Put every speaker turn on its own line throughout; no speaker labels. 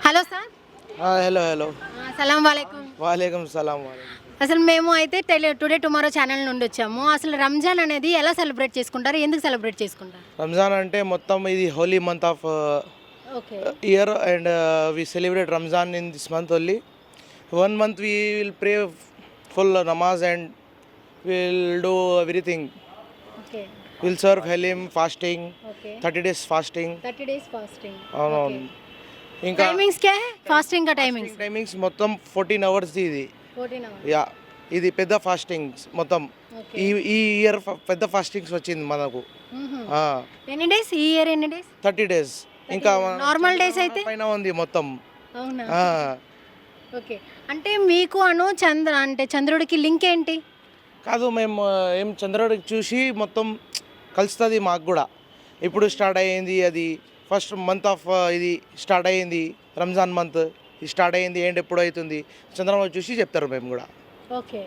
Hello sir.
Hello hello
సలాం వాలేకుం.
వాలేకం సలాం.
అసలు మేము అయితే టుడే టుమారో ఛానల్ నుండి వచ్చాము. అసలు రంజాన్ అనేది ఎలా సెలబ్రేట్ చేసుకుంటారు, ఎందుకు సెలబ్రేట్ చేసుకుంటారు?
రంజాన్ అంటే మొత్తం ఇది holy month of
okay
year and we celebrate Ramzan in this month only. 1 month we will pray full namaz and we'll do everything.
Okay
We'll serve halim, fasting,
okay
30 days fasting.
30 days fasting.
అవునవును. ఇంకా
timings क्या है fasting का timings?
Timings మొత్తం 14 hours ఇది.
14 hours.
Yeah ఇది పెద్ద fastings మొత్తం.
ఓకే.
ఈ ఇయర్ పెద్ద ఫాస్టింగ్స్ వచ్చింది మనకు.
ఎన్ని డేస్ ఈ ఇయర్, ఎన్ని డేస్?
30 days. ఇంకా
నార్మల్ డేస్ అయితే
పైన ఉంది మొత్తం.
అవునా? ఓకే. అంటే మీకు చంద్రుడికి లింక్ ఏంటి?
కాదు, మేము ఏం చంద్రుడికి చూసి మొత్తం కలుస్తుంది మాకు కూడా. ఇప్పుడు స్టార్ట్ అయ్యింది అది ఫస్ట్ మంత్ ఆఫ్ ఇది స్టార్ట్ అయ్యింది రంజాన్ మంత్. ఇది స్టార్ట్ అయ్యింది ఏంటి ఎప్పుడు అవుతుంది చంద్రబాబు చూసి చెప్తారు మేము కూడా.
ఓకే.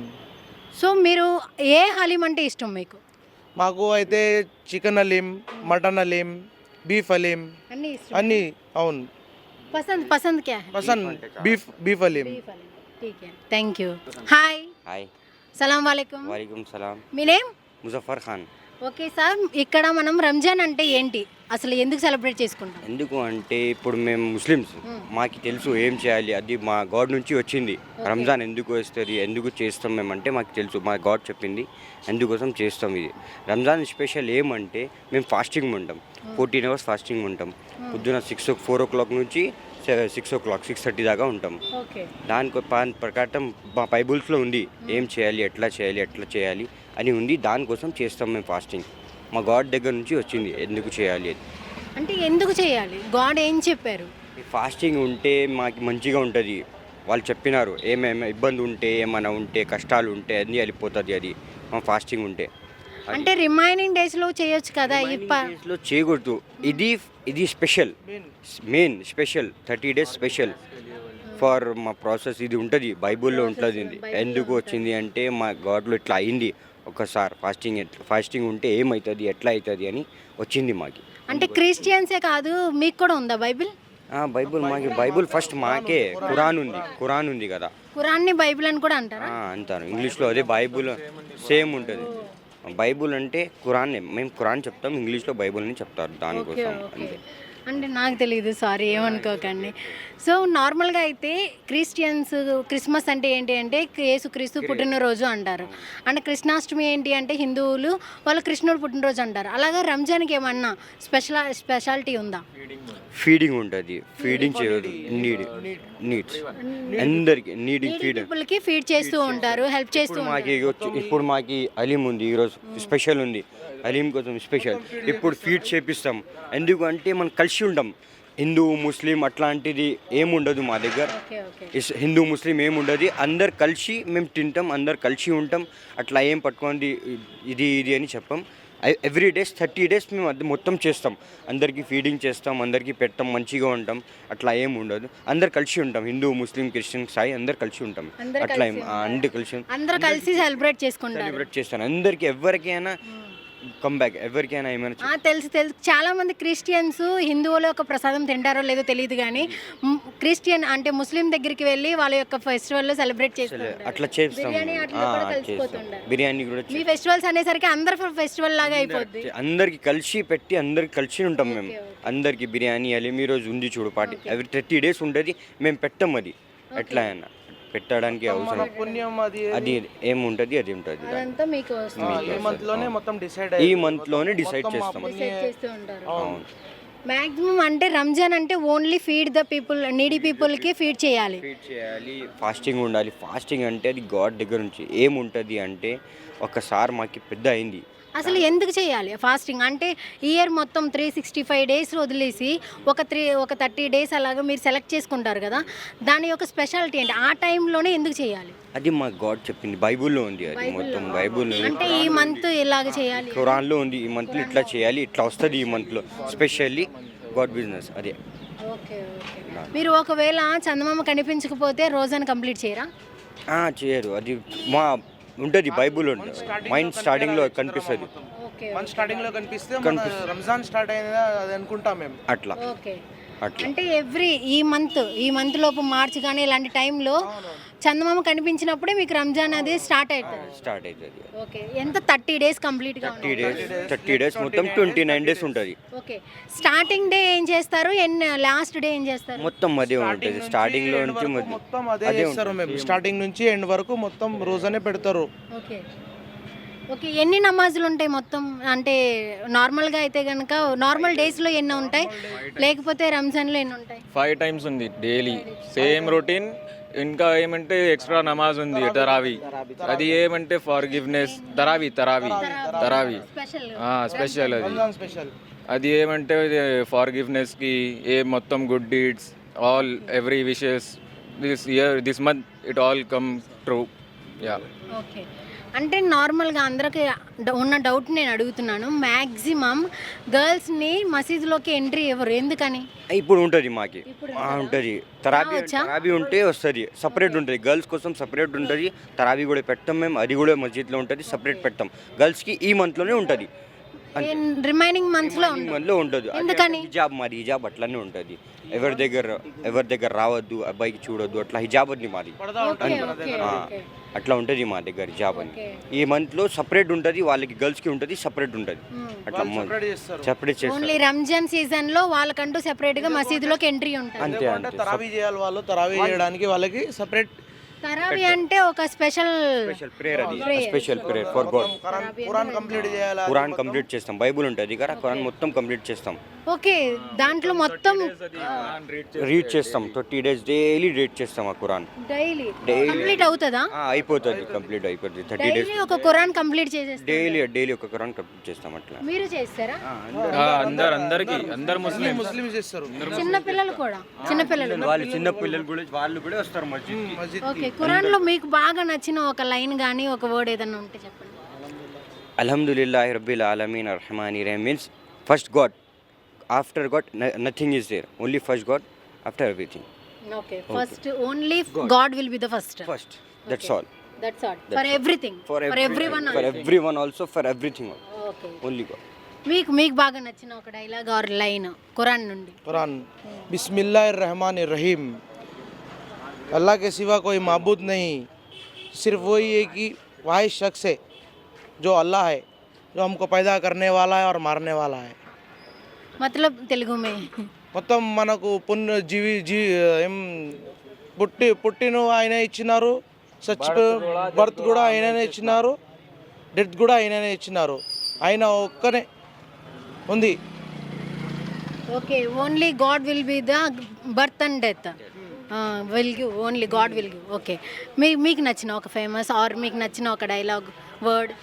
సో మీరు ఏ హలీం అంటే ఇష్టం మీకు?
మాకు అయితే chicken haleem, mutton haleem, beef haleem
అన్నీ ఇష్టం.
అన్నీ. అవును,
పసంద్ क्या है?
పసంద్ బీఫ్ హలీం.
బీఫ్ హలీం. ठीक है, थैंक यू. హాయ్.
హాయ్.
సలాం వాలేకుం.
వాలేకుం సలాం.
మీ name?
Muzaffar Khan.
Okay sir, ఇక్కడ మనం రంజాన్ అంటే ఏంటి, అసలు ఎందుకు సెలబ్రేట్ చేసుకుంటాం?
ఎందుకు అంటే ఇప్పుడు మేము ముస్లిమ్స్, మాకు తెలుసు ఏం చేయాలి, అది మా గాడ్ నుంచి వచ్చింది. రంజాన్ ఎందుకు వస్తుంది, ఎందుకు చేస్తాం మేమంటే మాకు తెలుసు, మా గాడ్ చెప్పింది, అందుకోసం చేస్తాం. ఇది రంజాన్ స్పెషల్ ఏమంటే మేము ఫాస్టింగ్ ఉంటాం, 14 hours ఫాస్టింగ్ ఉంటాం. పొద్దున 4 o'clock నుంచి 6 o'clock 6:30 దాకా ఉంటాం.
ఓకే.
దానికి ప్రకారం మా బైబుల్స్లో ఉంది ఏం చేయాలి, ఎట్లా చేయాలి అని ఉంది. దానికోసం చేస్తాం మేము ఫాస్టింగ్. మా గాడ్ దగ్గర నుంచి వచ్చింది ఎందుకు చేయాలి అది.
అంటే ఎందుకు చేయాలి, గాడ్ ఏం చెప్పారు?
ఫాస్టింగ్ ఉంటే మాకు మంచిగా ఉంటుంది. వాళ్ళు చెప్పినారు ఏమేమి ఇబ్బంది ఉంటే, ఏమైనా ఉంటే, కష్టాలు ఉంటే అన్నీ వెళ్ళిపోతుంది అది మా ఫాస్టింగ్ ఉంటే.
అంటే రిమైనింగ్ డేస్లో చేయొచ్చు కదా.
డేస్లో చేయకూడదు. ఇది special, main special 30 days special for మా ప్రాసెస్. ఇది ఉంటుంది బైబుల్లో ఉంటుంది. ఇది ఎందుకు వచ్చింది అంటే మా గాడ్లో ఇట్లా అయింది ఒకసారి. ఫాస్టింగ్ ఉంటే ఏమవుతుంది, ఎట్లా అవుతుంది అని వచ్చింది మాకు.
అంటే క్రిస్టియన్సే కాదు, మీకు కూడా ఉందా బైబిల్?
బైబుల్ ఫస్ట్ మాకే ఖురాన్ ఉంది కదా.
ఖురాన్ని బైబిల్ అని కూడా అంటారా?
అంటారు ఇంగ్లీష్లో. అదే బైబుల్ సేమ్ ఉంటుంది. బైబుల్ అంటే ఖురాన్, మేము ఖురాన్ చెప్తాం, ఇంగ్లీష్లో బైబుల్ని చెప్తారు. దానికోసం అంతే.
అంటే నాకు తెలియదు, సారీ ఏమనుకోకండి. సో నార్మల్గా అయితే క్రిస్టియన్స్ క్రిస్మస్ అంటే ఏంటి అంటే యేసుక్రీస్తు పుట్టినరోజు అంటారు. అంటే కృష్ణాష్టమి ఏంటి అంటే హిందువులు వాళ్ళ కృష్ణుడు పుట్టినరోజు అంటారు. అలాగే రంజాన్కి ఏమన్నా స్పెషాలిటీ ఉందా?
ఫీడింగ్ ఉంటుంది, ఫీడింగ్ చేయదు, నీడ్స్ అందరికి
పీపుల్కి ఫీడ్ చేస్తూ ఉంటారు, హెల్ప్ చేస్తూ ఉంటారు.
ఇప్పుడు మాకు హలీం ఉంది, ఈరోజు స్పెషల్ ఉంది. హలీం కోసం స్పెషల్ ఇప్పుడు ఫీడ్ చేపిస్తాం. ఎందుకంటే మనం కలిసి ఉంటాం. హిందూ ముస్లిం అట్లాంటిది ఏముండదు మా దగ్గర. హిందూ ముస్లిం ఏముండదు, అందరు కలిసి మేము తింటాం, అందరు కలిసి ఉంటాం. అట్లా ఏం పట్టుకోండి ఇది అని చెప్పాం. ఎవ్రీ డేస్ 30 days మేము అది మొత్తం చేస్తాం. అందరికీ ఫీడింగ్ చేస్తాం, అందరికీ పెట్టాం, మంచిగా ఉంటాం. అట్లా ఏం ఉండదు, అందరు కలిసి ఉంటాం. హిందూ ముస్లిం క్రిస్టియన్ సాయి అందరు కలిసి ఉంటాం. అట్లా
అందరూ కలిసి సెలబ్రేట్
చేస్తాను. అందరికీ ఎవరికైనా కమ్బ్యాక్, ఎవరికైనా ఏమైనా
తెలుసు. చాలా మంది క్రిస్టియన్స్ హిందువుల యొక్క ప్రసాదం తింటారో లేదో తెలియదు, కానీ క్రిస్టియన్ అంటే ముస్లిం దగ్గరికి వెళ్ళి వాళ్ళ యొక్క ఫెస్టివల్ సెలబ్రేట్ చేస్తారు.
అట్లా చేస్తాం. బిర్యానీ కూడా
మీ ఫెస్టివల్స్ అనేసరికి అందరు ఫెస్టివల్ లాగా అయిపోద్ది.
అందరికి కలిసి పెట్టి అందరికి కలిసి ఉంటాం మేము. అందరికి బిర్యానీ హలీం ఈరోజు ఉంది చూడు పార్టీ. ఎవ్రీ 30 days ఉంటుంది, మేము పెట్టాం. అది ఎట్లా అయినా పెట్టడానికి అవసరం అది ఏముంటుంది, అది ఉంటుంది. ఈ మంత్లోనే డిసైడ్ చేస్తాం. అవును.
మ్యాక్సిమం అంటే రంజాన్ అంటే only feed the people, needy పీపుల్కి ఫీడ్ చేయాలి.
ఫాస్టింగ్ ఉండాలి. ఫాస్టింగ్ అంటే అది గాడ్ దగ్గర నుంచి ఏముంటుంది అంటే ఒకసారి మాకు పెద్ద అయింది.
అసలు ఎందుకు చేయాలి ఫాస్టింగ్ అంటే? ఇయర్ మొత్తం 365 days వదిలేసి ఒక 30 days అలాగా మీరు సెలెక్ట్ చేసుకుంటారు కదా, దాని యొక్క స్పెషాలిటీ ఏంటి, ఆ టైంలోనే ఎందుకు చేయాలి?
అది మా గాడ్ చెప్పింది, బైబుల్లో ఉంది. అది మొత్తం బైబుల్
అంటే ఈ మంత్ ఇలాగ చేయాలి,
ఖురాన్లో ఉంది. ఈ మంత్లో ఇట్లా చేయాలి, ఇట్లా వస్తుంది ఈ మంత్లో స్పెషల్లీ గాడ్ బిజినెస్. అదే.
ఓకే. మీరు ఒకవేళ చందమామ కనిపించకపోతే రోజాను కంప్లీట్ చేయరా?
చేయరు. అది మా ఉంటుంది బైబుల్ ఉంటుంది. మైండ్ స్టార్టింగ్లో కనిపిస్తుంది.
స్టార్టింగ్లో కనిపిస్తే రంజాన్ స్టార్ట్ అయిందా అది అనుకుంటాం మేము.
అట్లా అట్లా
అంటే ఈ మంత్ లోపు మార్చి కానీ ఇలాంటి టైంలో చందమామ కనిపించినప్పుడే మీకు రంజాన్ అది స్టార్ట్ అవుతుంది.
స్టార్ట్ అవుతుంది.
ఓకే, ఎంత 30 డేస్ కంప్లీట్గా
30 డేస్ మొత్తం 29 డేస్ ఉంటుంది.
ఓకే, స్టార్టింగ్ డే ఏం చేస్తారు, లాస్ట్ డే ఏం చేస్తారు?
మొత్తం అదే ఉంటుంది. స్టార్టింగ్ లో నుంచి
మొత్తం అదే చేస్తారు మేము. స్టార్టింగ్ నుంచి ఎండ్ వరకు మొత్తం రోజనే పెడతారు.
ఓకే ఓకే, ఎన్ని నమాజులు ఉంటాయి మొత్తం? అంటే నార్మల్గా అయితే కనుక నార్మల్ డేస్లో ఎన్ని ఉంటాయి, లేకపోతే రంజాన్లో ఎన్ని ఉంటాయి?
5 టైమ్స్ ఉంది డైలీ, సేమ్ రొటీన్. ఇంకా ఏమంటే ఎక్స్ట్రా నమాజ్ ఉంది తరావీ, అది ఏమంటే ఫర్గివ్నెస్. తరావీ
స్పెషల్
స్పెషల్ అది.
స్పెషల్
అది ఏమంటే ఫర్గివ్నెస్కి ఏ మొత్తం good deeds all every wishes this month it all come true. Yeah.
Okay, అంటే నార్మల్గా అందరికి ఉన్న డౌట్ నేను అడుగుతున్నాను. మ్యాక్సిమం గర్ల్స్ని మసీదులోకి ఎంట్రీ ఇవ్వరు, ఎందుకని?
ఇప్పుడు ఉంటుంది మాకి ఉంటుంది. తరాబీ ఉంటే వస్తుంది, సపరేట్ ఉంటుంది. గర్ల్స్ కోసం సపరేట్ ఉంటుంది. తరాబీ కూడా పెట్టాం మేము, అది కూడా మస్జిద్లో ఉంటుంది, సపరేట్ పెట్టాం. గర్ల్స్కి ఈ మంత్లోనే ఉంటుంది,
రిమైనింగ్ మంత్స్లో
ఉంటుంది.
ఎందుకని?
మాది హిజాబ్ అట్లానే ఉంటుంది. ఎవరి దగ్గర రావద్దు, అబ్బాయికి చూడొద్దు, అట్లా హిజాబ్ ఉంది మాది. అట్లా ఉంటుంది మా దగ్గర హిజాబ్ అని. ఈ మంత్లో సపరేట్ ఉంటుంది, వాళ్ళకి గర్ల్స్కి ఉంటుంది, సపరేట్ ఉంటుంది. అట్లా సపరేట్ చేస్తారు.
ఓన్లీ రంజాన్ సీజన్లో వాళ్ళకంటూ సెపరేట్గా మసీదులోకి ఎంట్రీ ఉంటుంది.
అంతే.
తరావీ చేయాలి వాళ్ళు. తరావీ చేయడానికి వాళ్ళకి సపరేట్
తరావీ అంటే ఒక స్పెషల్
ప్రేయర్, అది special prayer for god.
Quran complete చేయాలి.
ఖురాన్ కంప్లీట్ చేస్తాం. బైబుల్ ఉంటుంది కదా, ఖురాన్ మొత్తం కంప్లీట్ చేస్తాం.
ఓకే, దాంట్లో మొత్తం
రీడ్ చేస్తాం. 30 డేస్ డైలీ రీడ్ చేస్తాం ఆ ఖురాన్.
డైలీ కంప్లీట్ అవుతుందా?
అయిపోతుంది, కంప్లీట్ అయిపోతుంది. 30 డేస్
డైలీ ఒక ఖురాన్ కంప్లీట్ చేసేస్తారు.
డైలీ ఒక ఖురాన్ కంప్లీట్ చేస్తాం. అట్లా
మీరు చేస్తారా?
అందరు
ముస్లిం చేస్తారు.
చిన్న పిల్లలు కూడా, చిన్న పిల్లలు
వాళ్ళు కూడా వస్తారు మస్జిద్.
ఓకే, ఖురాన్ లో మీకు బాగా నచ్చిన ఒక లైన్ కానీ ఒక వర్డ్ ఏదైనా ఉంటే చెప్పండి.
అల్హమ్దులిల్లాహి రబ్బిల్ ఆలమీన్ అర్రహమానిర్ రహీమ్ means first god, after god nothing is there, only first god, after everything.
Okay, first only god will be the first.
That's all.
For everything, for
everyone also, for everything
okay,
only god.
మీకు బాగా నచ్చిన ఒక dialogue or line Quran నుండి?
ఖురాన్ బిస్మిల్లాహిర్ रहमानिर रहीम, अल्लाह के सिवा कोई माबूद नहीं, सिर्फ वही एक ही वाहिद शख्स है जो अल्लाह है, जो हमको पैदा करने वाला है और मारने वाला है.
मतलब తెలుగు మే
మొత్తం మనకు ఏం పుట్టిన ఆయన ఇచ్చినారు, బర్త్ కూడా ఆయననే ఇచ్చినారు, డెత్ కూడా ఆయననే ఇచ్చినారు. ఆయన ఒక్కనే ఉంది.
Okay, only god will be the birth and death, will give, only god will give. Okay, మీకు నచ్చిన ఒక ఫేమస్ ఆర్ మీకు నచ్చిన ఒక డైలాగ్ వర్డ్?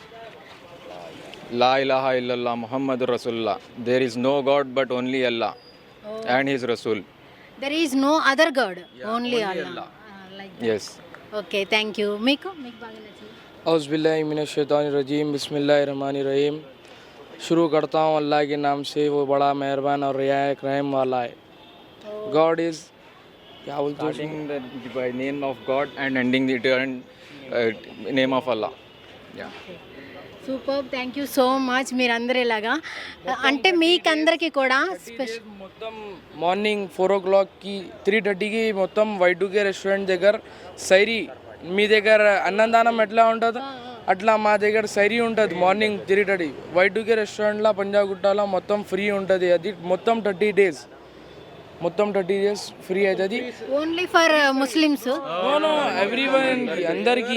లా ఇలాహా ఇల్లల్లాహ్ ముహమ్మదుర్ రసూలుల్లాహ్, there is no god but only Allah and his రసూల్.
There is no other god, only Allah.
yes.
Okay, thank you. మీకు బాగా నచ్చింది?
औज़ बिल्लाहि मिनश शैतानिर रजीम, बिस्मिल्लाहिर रहमानिर रहीम. शुरू करता हूँ अल्लाह के नाम से, वो बड़ा मेहरबान और रियायत रहम वाला है. गॉड इज़, क्या बोलते हैं,
Starting by name of God and ending the name of Allah. Yeah.
Super, thank you so much. మీరందరూ ఇలాగా అంటే మీకందరికీ కూడా స్పెషల్
మొత్తం మార్నింగ్ 4 o'clock की 3:30కి మొత్తం వైడుకే రెస్టారెంట్ దగ్గర సైరీ. మీ దగ్గర అన్నదానం ఎట్లా ఉంటుందో అట్లా మా దగ్గర సైరీ ఉంటుంది. మార్నింగ్ 3:30 వైడుకే రెస్టారెంట్లో పంజాగుట్టలో మొత్తం ఫ్రీ ఉంటుంది. అది మొత్తం 30 డేస్ ఫ్రీ అవుతుంది.
Only for Muslims?
ఎవ్రీవన్, అందరికి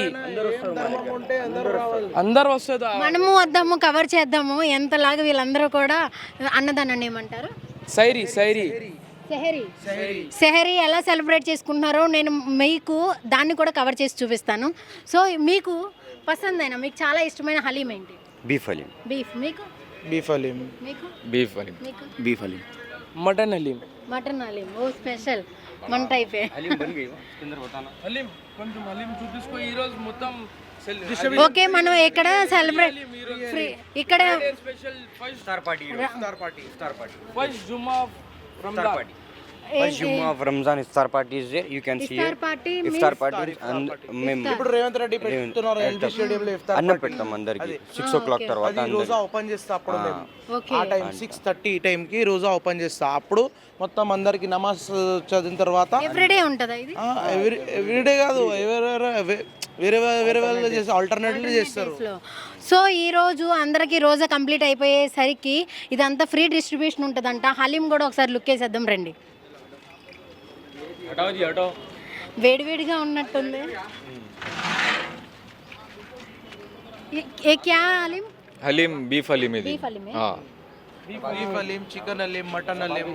అందరు వస్తుంది.
మనము వద్దాము, కవర్ చేద్దాము. ఎంతలాగా వీళ్ళందరూ కూడా అన్నదానాన్ని ఏమంటారు?
సైరీ
సెహరీ ఎలా సెలబ్రేట్ చేసుకుంటున్నారో నేను మీకు దాన్ని కూడా కవర్ చేసి చూపిస్తాను. సో మీకు పసందైన, మీకు చాలా ఇష్టమైన హలీం ఏంటి?
బీఫ్ హలీం.
బీఫ్. మీకు?
బీఫ్ హలీం.
మీకు?
బీఫ్ హలీం.
మీకు?
Beef haleem.
Mutton haleem.
Mutton haleem. ఓ స్పెషల్ మన టైపే.
హలీం బన్ గయి కిందర్ బతానా.
హలీం కొంచెం హలీం చూపిస్కో. ఈ రోజు మొత్తం
ఓకే, మనం ఇక్కడ సెలబ్రేట్ ఫ్రీ, ఇక్కడ
special
iftar party
first Jumma Ramzan.
First Jummah of Ramzan iftar party is there. You can see
iftar
it.
Party
Iftar party and మేము
ఇప్పుడు రేవంత్ రెడ్డి పెడుతున్నారు ఎల్బీ స్టేడియంలో ఇఫ్తార్
అన్నం పెడతాం అందరికి 6 o'clock తర్వాత
అది రోజా ఓపెన్ చేస్తా అప్పుడు మేము
ఓకే
ఆ టైం 6:30 టైంకి రోజా ఓపెన్ చేస్తా అప్పుడు మొత్తం అందరికి నమాజ్ చదివిన తర్వాత
ఎవ్రీడే ఉంటుందా ఇది
ఎవ్రీడే కాదు వేరే వేరే వాళ్ళు చేస్తే ఆల్టర్నేటివ్లు చేస్తారు
సో ఈ రోజు అందరికీ రోజా కంప్లీట్ అయిపోయేసరికి ఇదంతా ఫ్రీ డిస్ట్రిబ్యూషన్ ఉంటుందంట. హలీం కూడా ఒకసారి లుక్ వేసేద్దాం రండి. వేడివేడిగా ఉన్నట్టుంది. ఏ క్యా హలీం?
హలీం బీఫ్ హలీం ఇది.
బీఫ్ హలీమే.
Beef haleem, chicken haleem, mutton haleem.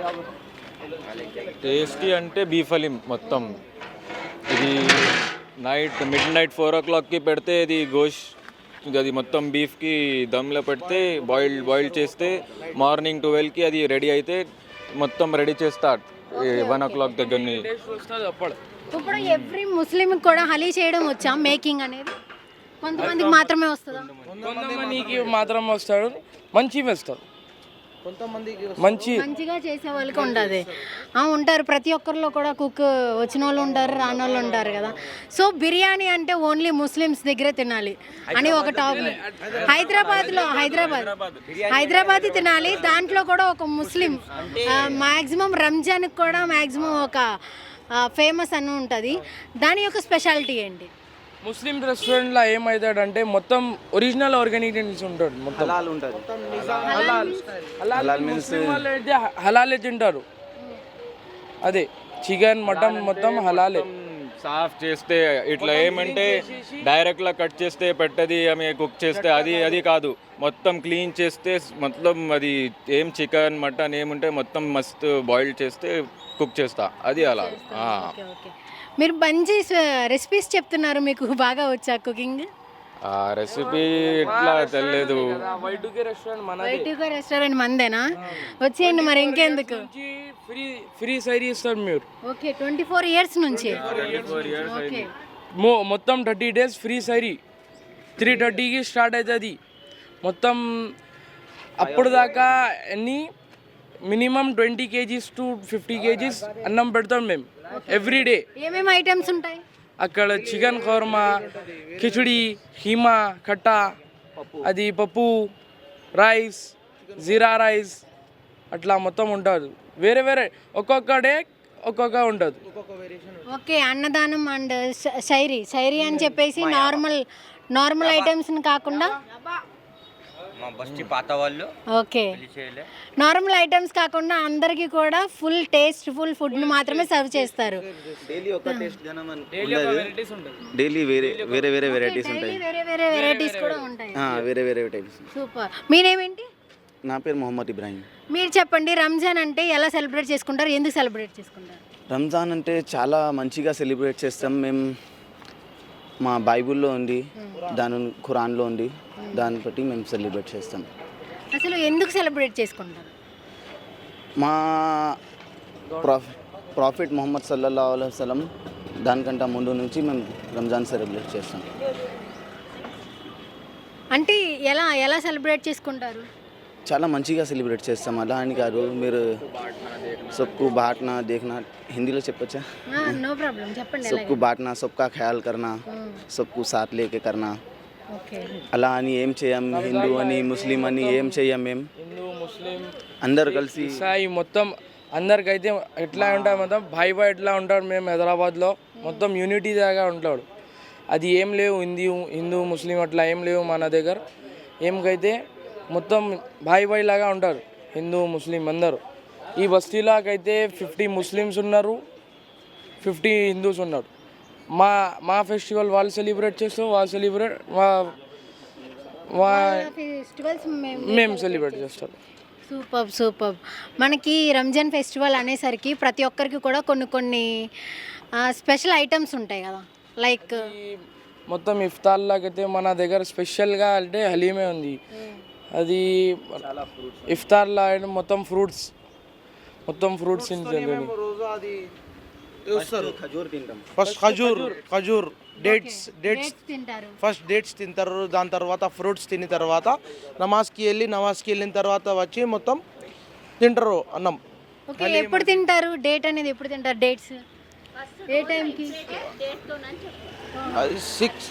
Tasty అంటే బీఫ్ హలీం మొత్తం. ఇది మిడ్ నైట్ 4 o'clockకి పెడితే ఇది గోష్ అది మొత్తం బీఫ్కి దమ్లో పెడితే బాయిల్ చేస్తే మార్నింగ్ 12కి అది రెడీ అయితే మొత్తం రెడీ చేస్తా 1 o'clock దగ్గరని.
ఇప్పుడు ఎవ్రీ ముస్లిం కూడా హలీ చేయడం వచ్చా మేకింగ్ అనేది? కొంతమందికి మాత్రమే వస్తుందా?
కొంతమందికి మాత్రం వస్తాడు, మంచిగా వేస్తాడు.
కొంతమందికి
మంచిగా చేసే వాళ్ళకి ఉండదు. ఉంటారు, ప్రతి ఒక్కరిలో కూడా కుక్ వచ్చిన వాళ్ళు ఉంటారు, రాని వాళ్ళు ఉంటారు కదా. సో బిర్యానీ అంటే ఓన్లీ ముస్లిమ్స్ దగ్గరే తినాలి అని ఒక టాక్. హైదరాబాద్ తినాలి. దాంట్లో కూడా ఒక ముస్లిం మ్యాక్సిమం రంజాన్కి కూడా మ్యాక్సిమం ఒక ఫేమస్ అని ఉంటుంది. దాని యొక్క స్పెషాలిటీ ఏంటి?
ముస్లిం రెస్టారెంట్లో ఏమవుతాడంటే మొత్తం ఒరిజినల్ ఆర్గానిక్ ఉంటాడు. మొత్తం హలాల్ ముస్లిం వాళ్ళు అయితే హలాలే తింటారు. అదే చికెన్ మటన్ మొత్తం హలాలే.
సాఫ్ చేస్తే ఇట్లా ఏమంటే డైరెక్ట్లా కట్ చేస్తే పెట్టది ఆమె కుక్ చేస్తే అది కాదు. మొత్తం క్లీన్ చేస్తే మొత్తం అది ఏం చికెన్ మటన్ ఏముంటే మొత్తం మస్తు బాయిల్ చేస్తే కుక్ చేస్తా. అది అలా.
ఓకే. మీరు మంచి రెసిపీస్ చెప్తున్నారు, మీకు బాగా వచ్చా కుకింగ్?
ఆ రెసిపీ ఇట్లా తెలియదు.
వైటుకే
రెస్టారెంట్ మందేనా? వచ్చేయండి మరి ఇంకెందుకు.
ఫ్రీ సైరీ ఇస్తాడు మీరు.
ఓకే, 24 years నుంచి. ఓకే,
మొత్తం 30 days ఫ్రీ సైరీ. 3:30కి స్టార్ట్ అవుతుంది మొత్తం. అప్పుడు దాకా ఎన్ని మినిమం 20 kgs to 50 kgs అన్నం పెడతాం మేము ఎవ్రీడే.
ఏమేమి ఐటమ్స్ ఉంటాయి
అక్కడ? చికెన్ ఖోర్మా, కిచడి, కీమా, కట్టా, అది పప్పు, రైస్, జీరా రైస్, అట్లా మొత్తం ఉంటుంది. వేరే వేరే ఒక్కొక్క డే ఒక్కొక్క ఉంటుంది.
ఓకే, అన్నదానం అండ్ శైరీ అని చెప్పేసి నార్మల్ ఐటమ్స్ని కాకుండా
మా బస్తి పాత వాళ్ళు
ఓకే నార్మల్ ఐటమ్స్ కాకుండా అందరికీ కూడా ఫుల్ టేస్ట్ఫుల్ ఫుడ్ని మాత్రమే సర్వ్ చేస్తారు.
డైలీ ఒక టేస్ట్ జనం డైలీ వేరే వేరే వేరే వెరైటీస్ ఉంటాయి.
వేరే వేరే వెరైటీస్ కూడా ఉంటాయి.
వేరే వేరే వెరైటీస్.
సూపర్. మీరేమేంటి?
నా పేరు మొహమ్మద్ ఇబ్రాహిం.
మీరు చెప్పండి, రంజాన్ అంటే ఎలా సెలబ్రేట్ చేసుకుంటారు, ఎందుకు సెలబ్రేట్ చేసుకుంటారు?
రంజాన్ అంటే చాలా మంచిగా సెలబ్రేట్ చేస్తాం మేము. మా బైబిల్లో ఉంది, దాని ఖురాన్లో ఉంది, దాన్ని బట్టి మేము సెలబ్రేట్ చేస్తాం.
అసలు ఎందుకు సెలబ్రేట్ చేసుకుంటారు?
మా ప్రాఫిట్ ముహమ్మద్ సల్లల్లాహు అలైహి వసల్లం దానికంటే ముందు నుంచి మేము రంజాన్ సెలబ్రేట్ చేస్తాం.
అంటే ఎలా సెలబ్రేట్ చేసుకుంటారు?
చాలా మంచిగా సెలబ్రేట్ చేస్తాం. అలా అని కాదు, మీరు సబ్కు బాట్నా దేఖ్నా, హిందీలో చెప్పచ్చా?
నో ప్రాబ్లం, చెప్పండి.
సబ్కు బాట్నా, సబ్కా ఖయాల్ కర్నా, సబ్కు సాత్ లేకే కర్నా. అలా అని ఏం చేయం. హిందూ అని ముస్లిం అని ఏం చేయం. మేము
హిందూ ముస్లిం
అందరు కలిసి
సాయి మొత్తం అందరికైతే ఎట్లా ఉంటాం మొత్తం భాయ్ ఎట్లా ఉంటాడు. మేము హైదరాబాద్లో మొత్తం యూనిటీ దాకా ఉంటాడు. అది ఏం లేవు హిందూ ముస్లిం అట్లా ఏం లేవు మన దగ్గర. ఏమికైతే మొత్తం భాయ్ లాగా ఉంటారు హిందూ ముస్లిం అందరూ. ఈ బస్తీలాకైతే 50 ముస్లిమ్స్ ఉన్నారు, 50 హిందూస్ ఉన్నారు. మా ఫెస్టివల్ వాళ్ళు సెలబ్రేట్ చేస్తాం, వాళ్ళు సెలబ్రేట్ మేము సెలబ్రేట్ చేస్తాం.
సూపర్. మనకి రంజాన్ ఫెస్టివల్ అనేసరికి ప్రతి ఒక్కరికి కూడా కొన్ని స్పెషల్ ఐటమ్స్ ఉంటాయి కదా, లైక్
మొత్తం ఇఫ్తార్ లాగైతే మన దగ్గర స్పెషల్గా అంటే హలీమే ఉంది. అది ఇఫ్తార్లా మొత్తం ఫ్రూట్స్
ఫస్ట్ ఖజూర్ డేట్స్ ఫస్ట్ డేట్స్ తింటారు. దాని తర్వాత ఫ్రూట్స్ తిన్న తర్వాత నమాజ్కి వెళ్ళిన తర్వాత వచ్చి మొత్తం తింటారు అన్నం.
ఓకే, ఎప్పుడు తింటారు? డేట్ అనేది ఎప్పుడు తింటారు? డేట్స్ ఏ టైంకి?
అది 6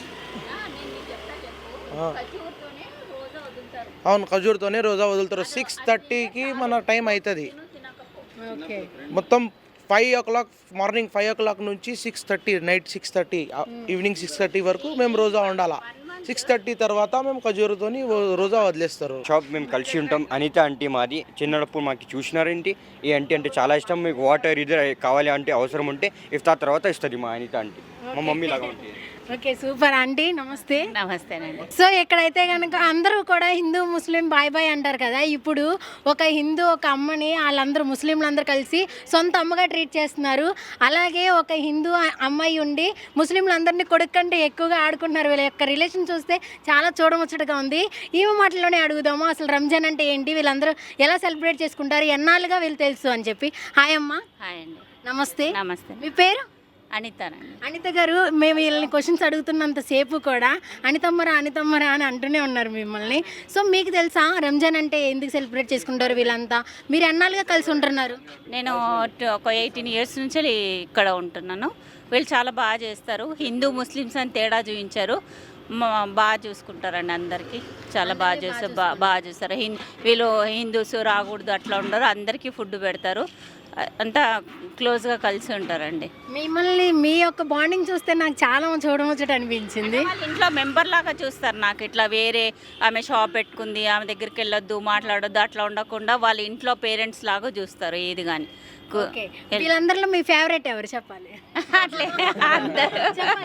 అవును, ఖజూర్తోనే రోజా వదులుతారు. 6:30కి మన టైం అవుతుంది.
ఓకే,
మొత్తం 5 o'clock మార్నింగ్ 5 o'clock నుంచి 6:30 నైట్ 6:30 ఈవినింగ్ 6:30 వరకు మేము రోజా ఉండాలా. 6:30 తర్వాత మేము ఖజూరుతోని రోజా వదిలేస్తారు.
షాప్ మేము కలిసి ఉంటాం. అనిత ఆంటీ మాది. చిన్నప్పుడు మాకు చూసినారేంటి, ఈ ఆంటీ అంటే చాలా ఇష్టం. మీకు వాటర్ ఇది కావాలి అంటే అవసరం ఉంటే ఇఫ్తార్ తర్వాత ఇస్తుంది మా అనిత ఆంటీ. మా మమ్మీ లాగా ఉంటుంది.
ఓకే, సూపర్ ఆంటీ, నమస్తే.
నమస్తేనండి.
సో ఎక్కడైతే కనుక అందరూ కూడా హిందూ ముస్లిం బాయ్ బాయ్ అంటారు కదా, ఇప్పుడు ఒక హిందూ ఒక అమ్మని వాళ్ళందరూ ముస్లింలందరూ కలిసి సొంత అమ్మగా ట్రీట్ చేస్తున్నారు. అలాగే ఒక హిందూ అమ్మాయి ఉండి ముస్లింలందరినీ కొడుకు కంటే ఎక్కువగా ఆడుకుంటున్నారు. వీళ్ళ యొక్క రిలేషన్ చూస్తే చాలా చూడముచ్చటగా ఉంది. ఈమె మాటల్లోనే అడుగుదాము, అసలు రంజాన్ అంటే ఏంటి, వీళ్ళందరూ ఎలా సెలబ్రేట్ చేసుకుంటారు, ఎన్నాళ్ళుగా వీళ్ళు తెలుసు అని చెప్పి. హాయ్ అమ్మ.
హాయ్ అండి.
నమస్తే.
నమస్తే.
మీ పేరు?
అనితానండి.
అనిత గారు, మేము వీళ్ళని క్వశ్చన్స్ అడుగుతున్నంతసేపు కూడా అనితమ్మరా అనితమ్మరా అని అంటూనే ఉన్నారు మిమ్మల్ని. సో మీకు తెలుసా రంజాన్ అంటే ఎందుకు సెలబ్రేట్ చేసుకుంటారు వీళ్ళంతా? మీరు ఎన్నాళ్ళుగా కలిసి ఉంటున్నారు?
నేను ఒక 18 years నుంచి ఇక్కడ ఉంటున్నాను. వీళ్ళు చాలా బాగా చేస్తారు. హిందూ ముస్లిమ్స్ అని తేడా చూపించారు. బాగా చూసుకుంటారండి అందరికీ. చాలా బాగా చేస్తారు. బాగా చూస్తారు. వీళ్ళు హిందూస్ రాకూడదు అట్లా ఉండరు. అందరికీ ఫుడ్ పెడతారు. అంతా క్లోజ్గా కలిసి ఉంటారండి.
మిమ్మల్ని మీ యొక్క బాండింగ్ చూస్తే నాకు చాలా చూడముచ్చట అనిపించింది.
వాళ్ళ ఇంట్లో మెంబర్ లాగా చూస్తారు. నాకు ఇట్లా వేరే ఆమె షాప్ పెట్టుకుంది, ఆమె దగ్గరికి వెళ్ళొద్దు, మాట్లాడొద్దు అట్లా ఉండకుండా వాళ్ళ ఇంట్లో పేరెంట్స్ లాగా చూస్తారు ఏది కానీ.
వీళ్ళందరిలో మీ ఫేవరెట్ ఎవరు చెప్పాలి?
అట్లే అందరూ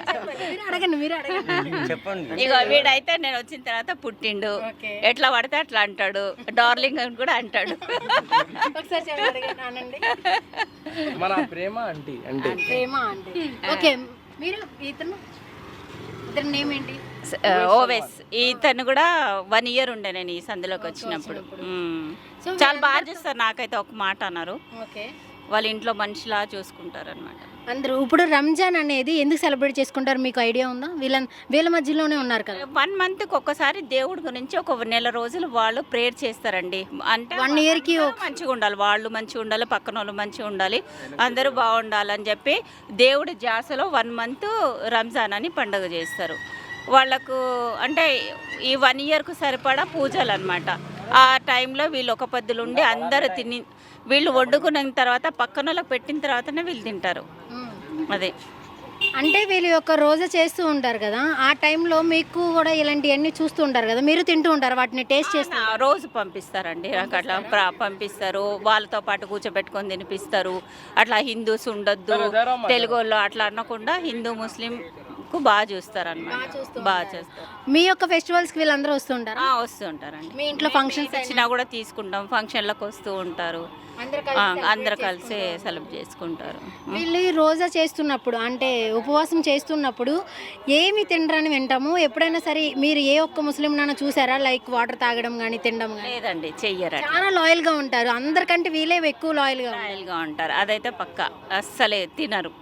మీరు అడగండి.
చెప్పండి.
ఇగో వీడైతే నేను వచ్చిన తర్వాత పుట్టిండు, ఎట్లా పడితే అట్లా అంటాడు, డార్లింగ్ అని కూడా అంటాడు.
ఒకసారి అడగండి.
మన ప్రేమ ఆంటీ అంటే
ప్రేమ ఆంటీ. ఓకే, మీరు ఇతను నేమ్ ఏంటి?
ఓవెస్. ఇతను కూడా 1 year ఉండే నేను ఈ సందులోకి వచ్చినప్పుడు. చాలా బాగా చూస్తారు. నాకైతే ఒక మాట అన్నారు,
ఓకే,
వాళ్ళ ఇంట్లో మనిషిలా చూసుకుంటారు అనమాట
అందరూ. ఇప్పుడు రంజాన్ అనేది ఎందుకు సెలబ్రేట్ చేసుకుంటారు మీకు ఐడియా ఉందా? వీళ్ళ మధ్యలోనే ఉన్నారు కదా.
1 monthకి ఒక్కసారి దేవుడి గురించి ఒక 1 నెల రోజులు వాళ్ళు ప్రేయర్ చేస్తారండి. అంటే
1 yearకి
మంచిగా ఉండాలి, వాళ్ళు మంచిగా ఉండాలి, పక్కన వాళ్ళు మంచిగా ఉండాలి, అందరూ బాగుండాలని చెప్పి దేవుడి ధ్యాసలో 1 month రంజాన్ అని పండుగ చేస్తారు. వాళ్ళకు అంటే ఈ 1 yearకు సరిపడా పూజలు అనమాట. ఆ టైంలో వీళ్ళు ఒక పొద్దులు ఉండి అందరూ తిని వీళ్ళు వండుకున్న తర్వాత పక్కన వాళ్ళకి పెట్టిన తర్వాతనే వీళ్ళు తింటారు. అదే
అంటే వీళ్ళు యొక్క రోజు చేస్తూ ఉంటారు కదా, ఆ టైంలో మీకు కూడా ఇలాంటివన్నీ చూస్తూ ఉంటారు కదా, మీరు తింటూ ఉంటారు, వాటిని టేస్ట్ చేస్తారు.
రోజు పంపిస్తారండి నాకు అట్లా పంపిస్తారు. వాళ్ళతో పాటు కూర్చోబెట్టుకొని తినిపిస్తారు. అట్లా హిందూస్ ఉండొద్దు తెలుగు వాళ్ళు అట్లా అనకుండా హిందూ ముస్లిం బాగా చూస్తారు అన్నమాట. బాగా చేస్తారు.
మీ యొక్క ఫెస్టివల్స్కి వీళ్ళందరూ వస్తూ ఉంటారు?
వస్తూ ఉంటారండి.
మీ ఇంట్లో ఫంక్షన్స్
వచ్చినా కూడా తీసుకుంటాం. ఫంక్షన్లకు వస్తూ ఉంటారు. అందరు కలిసి సెలబ్రేట్ చేసుకుంటారు.
వీళ్ళు రోజా చేస్తున్నప్పుడు అంటే ఉపవాసం చేస్తున్నప్పుడు ఏమి తినరని వింటాము. ఎప్పుడైనా సరే మీరు ఏ ఒక్క ముస్లిం నాన్న చూసారా లైక్ వాటర్ తాగడం కానీ తినడం కానీ?
లేదండి, చెయ్యరు.
చాలా లాయల్గా ఉంటారు. అందరికంటే వీళ్ళే ఎక్కువ లాయల్గా
ఉంటారు. అదైతే పక్కా. అస్సలే తినరు.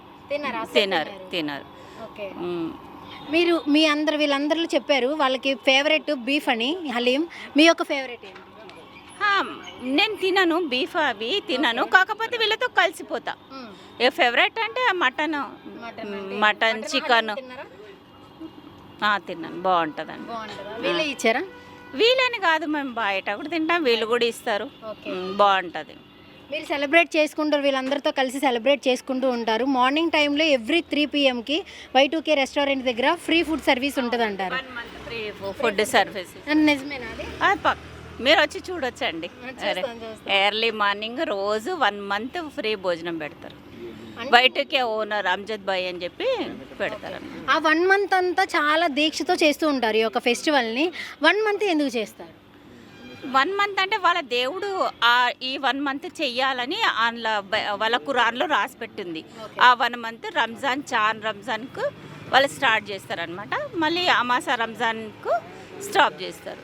ఓకే, మీరు మీ వీళ్ళందరూ చెప్పారు వాళ్ళకి ఫేవరెట్ బీఫ్ అని, హలీం. మీ యొక్క ఫేవరెట్ ఏంటి?
నేను తినను బీఫ్, అవి తినను. కాకపోతే వీళ్ళతో కలిసిపోతా. ఏ ఫేవరెట్ అంటే మటన్ చికెన్ తిన్నాను. బాగుంటుందండి.
వీళ్ళే ఇచ్చారా?
వీళ్ళని కాదు, మేము బయట కూడా తింటాం, వీళ్ళు కూడా ఇస్తారు. బాగుంటుంది.
మీరు సెలబ్రేట్ చేసుకుంటారు, వీళ్ళందరితో కలిసి సెలబ్రేట్ చేసుకుంటూ ఉంటారు. మార్నింగ్ టైంలో ఎవ్రీ 3 PMకి Y2K రెస్టారెంట్ దగ్గర ఫ్రీ ఫుడ్ సర్వీస్ ఉంటుంది అంటారు.
1 month ఫ్రీ ఫుడ్ సర్వీస్.
నిజమేనా అది?
మీరు వచ్చి చూడొచ్చండి. ఎర్లీ మార్నింగ్ రోజు 1 month ఫ్రీ భోజనం పెడతారు. Y2K ఓనర్ అమ్జద్ భాయ్ అని చెప్పి పెడతారు.
ఆ 1 month అంతా చాలా దీక్షతో చేస్తూ ఉంటారు ఈ యొక్క ఫెస్టివల్ని. 1 month ఎందుకు చేస్తారు?
1 month అంటే వాళ్ళ దేవుడు ఈ 1 month చెయ్యాలని వాళ్ళ ఖురాన్లో రాసి పెట్టింది. ఆ 1 month రంజాన్కు వాళ్ళు స్టార్ట్ చేస్తారనమాట. మళ్ళీ అమాసా రంజాన్కు స్టాప్ చేస్తారు.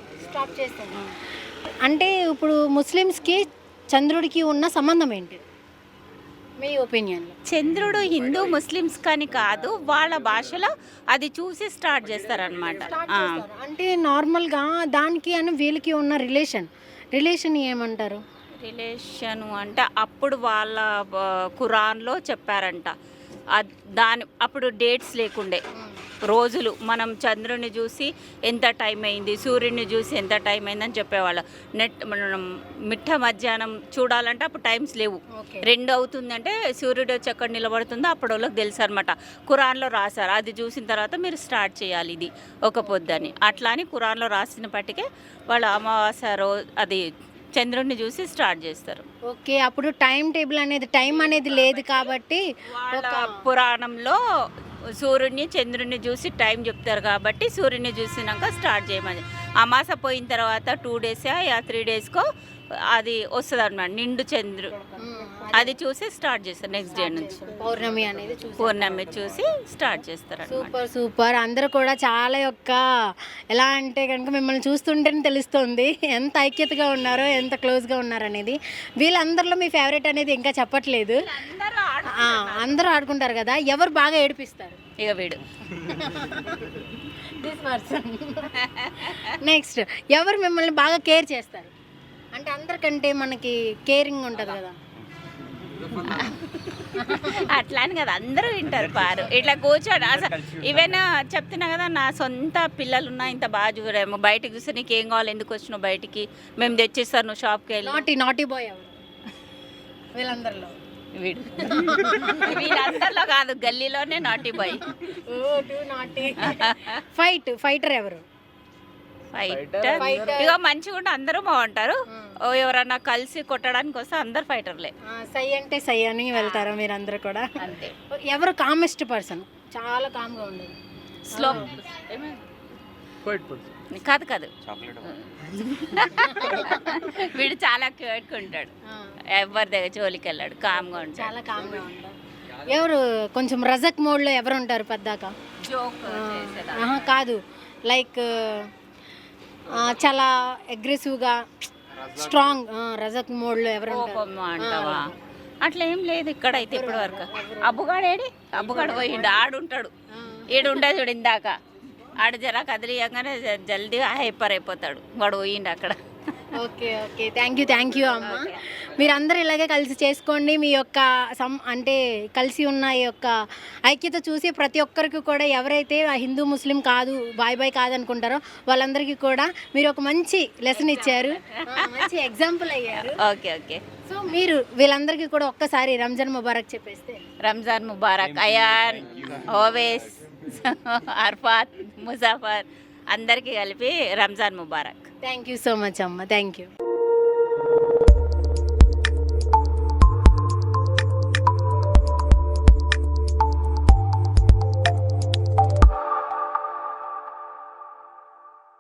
అంటే ఇప్పుడు ముస్లిమ్స్కి చంద్రుడికి ఉన్న సంబంధం ఏంటి మీ ఒపీనియన్లో?
చంద్రుడు హిందూ ముస్లిమ్స్ కానీ కాదు, వాళ్ళ భాషలో అది చూసి స్టార్ట్ చేస్తారనమాట.
అంటే నార్మల్గా దానికి అని వీళ్ళకి ఉన్న రిలేషన్ ఏమంటారు?
రిలేషను అంటే అప్పుడు వాళ్ళ ఖురాన్లో చెప్పారంట. అప్పుడు డేట్స్ లేకుండే, రోజులు. మనం చంద్రుని చూసి ఎంత టైం అయింది, సూర్యుడిని చూసి ఎంత టైం అయిందని చెప్పేవాళ్ళు. మనం మిట్ట మధ్యాహ్నం చూడాలంటే అప్పుడు టైమ్స్ లేవు. 2 అవుతుందంటే సూర్యుడు వచ్చి ఎక్కడ నిలబడుతుందో అప్పుడు వాళ్ళకి తెలుసు అనమాట. ఖురాన్లో రాశారు, అది చూసిన తర్వాత మీరు స్టార్ట్ చేయాలి ఇది ఒక పొద్దని. అట్లా అని ఖురాన్లో రాసినప్పటికే వాళ్ళు అమావాస్య రోజు అది చంద్రుడిని చూసి స్టార్ట్ చేస్తారు.
ఓకే, అప్పుడు టైం టేబుల్ అనేది టైం అనేది లేదు కాబట్టి
వాళ్ళ పురాణంలో సూర్యుడిని చంద్రుడిని చూసి టైం చెప్తారు కాబట్టి సూర్యుడిని చూసినాక స్టార్ట్ చేయమని. అమాస పోయిన తర్వాత 2 డేస్ 3 డేస్కో అది వస్తుంది అన్నమాట, నిండు చంద్రుడు. అది చూసి స్టార్ట్ చేస్తారు. నెక్స్ట్ డే నుంచి
పౌర్ణమి అనేది
పౌర్ణమి చూసి స్టార్ట్ చేస్తారు.
Super super. అందరూ కూడా చాలా ఎలా అంటే కనుక మిమ్మల్ని చూస్తుంటేనే తెలుస్తుంది ఎంత ఐక్యతగా ఉన్నారో, ఎంత క్లోజ్గా ఉన్నారో అనేది. వీళ్ళందరిలో మీ ఫేవరెట్ అనేది ఇంకా చెప్పట్లేదు. అందరూ ఆడుకుంటారు కదా, ఎవరు బాగా ఏడిపిస్తారు?
ఇక వీడు
నెక్స్ట్ ఎవరు మిమ్మల్ని బాగా కేర్ చేస్తారు? అంటే అందరికంటే మనకి కేరింగ్ ఉంటుంది కదా.
అట్లా అని కదా, అందరూ వింటారు పారు. ఇట్లా కూర్చోడు అసలు. ఈవెన్ చెప్తున్నా కదా, నా సొంత పిల్లలు ఉన్నా ఇంత బాగా చూడేమో. బయటకు చూస్తే నీకు ఏం కావాలి, ఎందుకు వచ్చినావు బయటికి, మేము తెచ్చిస్తాను, నువ్వు షాప్కి వెళ్ళి.
నాటీ బాయ్ ఎవరు వీళ్ళందరిలో?
వీడు వీళ్ళందరిలో కాదు, గల్లీలోనే నాటీ బాయ్.
ఫైటర్ ఎవరు?
ఫైటర్ ఇక మంచిగా ఉంటే అందరూ బాగుంటారు. ఎవరన్నా కలిసి కొట్టడానికి వస్తే అందరు ఫైటర్లే.
సై అంటే సై అని వెళ్తారా మీరందరూ కూడా?
అంతే.
ఎవరు కామెస్ట్ పర్సన్? చాలా కామ్గా ఉండదు.
స్లో కాదు కాదు, వీడు చాలా క్యూట్గా ఉంటాడు, ఎవరి దగ్గర జోలికి వెళ్ళాడు, కామ్గా ఉంటాడు.
చాలా కామ్గా ఉంటాడు. ఎవరు కొంచెం రజక్ మోడ్లో ఎవరు ఉంటారు పద్దాక?
జోక్
కాదు, లైక్ చాలా అగ్రెసివ్గా స్ట్రాంగ్ రజక్ మోడ్లో ఎవరు
అంటావా? అట్లా ఏం లేదు ఇక్కడ అయితే ఇప్పటి వరకు. అబ్బుగాడు పోయిండు, ఆడుంటాడు. ఈడు ఉండదు చూడు, ఇందాక ఆడు జరా కదిలియంగానే జల్దీగా హైపర్ అయిపోతాడు, వాడు పోయిండు అక్కడ.
ఓకే ఓకే, థ్యాంక్ యూ అమ్మ. మీరందరూ ఇలాగే కలిసి చేసుకోండి. మీ యొక్క అంటే కలిసి ఉన్న ఈ యొక్క ఐక్యత చూసి ప్రతి ఒక్కరికి కూడా ఎవరైతే హిందూ ముస్లిం కాదు, బాయ్ కాదనుకుంటారో వాళ్ళందరికీ కూడా మీరు ఒక మంచి లెసన్ ఇచ్చారు, మంచి ఎగ్జాంపుల్ అయ్యారు.
Okay okay.
సో మీరు వీళ్ళందరికీ కూడా ఒక్కసారి రంజాన్ ముబారక్ చెప్పేస్తే.
రంజాన్ ముబారక్. అయాన్, ఓవేస్, అర్ఫాత్, ముజాఫర్ అందరికీ కలిపి రంజాన్ ముబారక్.
థ్యాంక్ యూ సో మచ్ అమ్మ, థ్యాంక్ యూ.